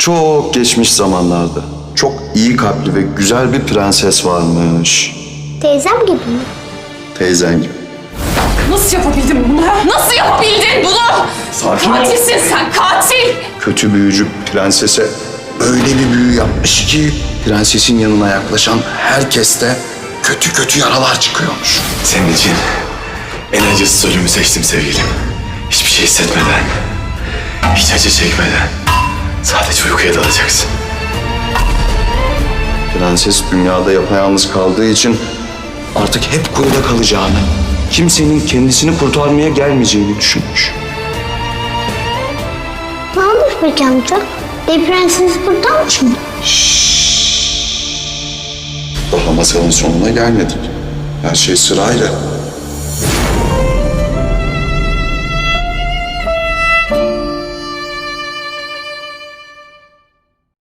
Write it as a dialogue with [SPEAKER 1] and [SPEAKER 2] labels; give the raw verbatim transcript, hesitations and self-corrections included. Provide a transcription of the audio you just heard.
[SPEAKER 1] Çok geçmiş zamanlarda çok iyi kalpli ve güzel bir prenses varmış.
[SPEAKER 2] Teyzem gibi mi?
[SPEAKER 1] Teyzen gibi.
[SPEAKER 3] Nasıl yapabildin bunu? ha? Nasıl yapabildin bunu?
[SPEAKER 1] Sakin ol.
[SPEAKER 3] Katilsin sen, katil!
[SPEAKER 1] Kötü büyücü prensese öyle bir büyü yapmış ki prensesin yanına yaklaşan herkeste kötü kötü yaralar çıkıyormuş.
[SPEAKER 4] Senin için en acısız ölümü seçtim sevgilim. Hiçbir şey hissetmeden, hiç acı çekmeden sadece uykuya dalacaksın.
[SPEAKER 1] Prenses dünyada yapayalnız kaldığı için artık hep kuyuda kalacağını, kimsenin kendisini kurtarmaya gelmeyeceğini düşünmüş.
[SPEAKER 2] Ne olmuş peki amca? Dev prenses buradan mı çıktı?
[SPEAKER 1] Daha masalın sonuna gelmedik. Her şey sırayla.